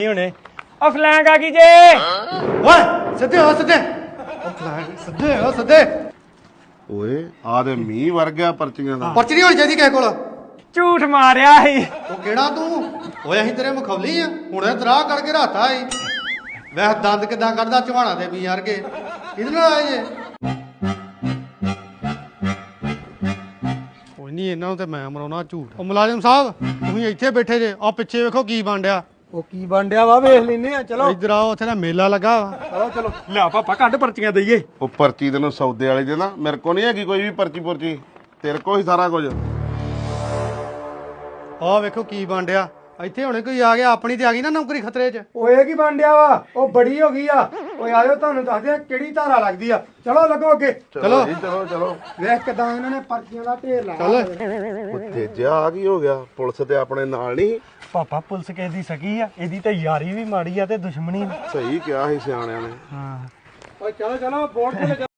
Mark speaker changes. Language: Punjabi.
Speaker 1: ਹੁਣੇ ਉਹ ਫਲੈਂਗ ਆ ਗਈ ਜੇ
Speaker 2: ਓਏ ਸਿੱਧੇ ਹੋ ਸਿੱਧੇ ਉਹ ਫਲੈਂਗ ਸਿੱਧੇ ਹੋ ਸਿੱਧੇ
Speaker 3: ਓਏ ਆ ਤੇ ਮੀਂਹ ਵਰ ਗਿਆ ਪਰਚੀਆਂ ਦਾ।
Speaker 2: ਪਰਚੀ ਨਹੀਂ ਹੋਣੀ ਚਾਹੀਦੀ ਕਿਸੇ ਕੋਲ।
Speaker 1: ਝੂਠ ਮਾਰਿਆ ਸੀ।
Speaker 2: ਉਹ ਕਿਹੜਾ ਤੂੰ ਓਏ ਅਸੀਂ ਤੇਰੇ ਮਖੌਲੀ ਆ ਹੁਣੇ ਤਰਾਹ ਕਰਕੇ ਰਾਤਾ ਈ ਵੈਸੇ ਦੰਦ ਕਿਦਾਂ ਕੱਢਦਾ ਚਵਾਣਾ ਦੇ ਵੀ ਯਾਰ ਕੇ ਕਿਹਦੇ ਨਾਲ ਆਏ ਜੇ ਕੋਈ ਨਹੀਂ ਇਹਨਾਂ ਨੂੰ ਤੇ ਮੈਂ ਮਰਾਉਣਾ ਝੂਠ। ਉਹ ਮੁਲਾਜ਼ਮ ਸਾਹਿਬ ਤੁਸੀਂ ਇੱਥੇ ਬੈਠੇ ਜੇ ਆ ਪਿੱਛੇ ਵੇਖੋ ਕੀ ਬਣ ਡਿਆ।
Speaker 1: ਉਹ ਕੀ ਬਣ ਡਿਆ ਵਾ ਵੇਖ ਲੈਨੇ ਆ ਚਲੋ
Speaker 2: ਇੱਧਰ ਆਓ ਉੱਥੇ ਦਾ ਮੇਲਾ ਲੱਗਾ ਵਾ।
Speaker 1: ਚਲੋ ਚਲੋ ਲਿਆ ਪਾਪਾ ਕੱਢ ਪਰਚੀਆਂ ਦਈਏ।
Speaker 3: ਉਹ ਪਰਚੀ ਤੈਨੂੰ ਸੌਦੇ ਵਾਲੇ ਦੇ ਨਾ ਮੇਰੇ ਕੋ ਨਹੀਂ ਹੈਗੀ ਕੋਈ ਵੀ ਪਰਚੀ ਤੇਰੇ ਕੋ ਹੀ ਸਾਰਾ ਕੁਝ।
Speaker 2: ਆਹ ਵੇਖੋ ਕੀ ਬਣ ਡਿਆ ਇੱਥੇ ਹੁਣੇ ਕੋਈ ਆ ਗਿਆ ਆਪਣੀ ਤੇ ਆ ਗਈ ਨਾ ਨੌਕਰੀ ਖਤਰੇ 'ਚ।
Speaker 1: ਓਏ ਕੀ ਬਣ ਡਿਆ ਵਾ ਉਹ ਬੜੀ ਹੋ ਗਈ ਆ। ਓਏ ਆਇਓ ਤੁਹਾਨੂੰ ਦੱਸਦੇ ਆ ਕਿਹੜੀ ਧਾਰਾ ਲੱਗਦੀ ਆ। ਚਲੋ ਲੱਗੋ ਅੱਗੇ
Speaker 2: ਚਲੋ
Speaker 3: ਜੀ ਚਲੋ
Speaker 1: ਵੇਖ ਕਿਦਾਂ ਇਹਨਾਂ ਨੇ ਪਰਚੀਆਂ ਦਾ ਢੇਰ ਲਾਇਆ।
Speaker 2: ਚੱਲ
Speaker 3: ਉਹ ਤੇਜਾ ਆ ਕੀ ਹੋ ਗਿਆ ਪੁਲਿਸ ਤੇ ਆਪਣੇ ਨਾਲ ਨਹੀਂ।
Speaker 1: ਪਾਪਾ ਪੁਲਿਸ ਕਿਸੇ ਦੀ ਸਕੀ ਆ ਇਹਦੀ ਤੇ ਯਾਰੀ ਵੀ ਮਾੜੀ ਆ ਤੇ ਦੁਸ਼ਮਣੀ ਵੀ।
Speaker 3: ਸਹੀ ਕਿਹਾ ਸੀ ਸਿਆਣਿਆਂ ਨੇ।
Speaker 1: ਹਾਂ
Speaker 2: ਓਏ ਚਲੋ ਚਲੋ ਬੋਰਡ ਤੇ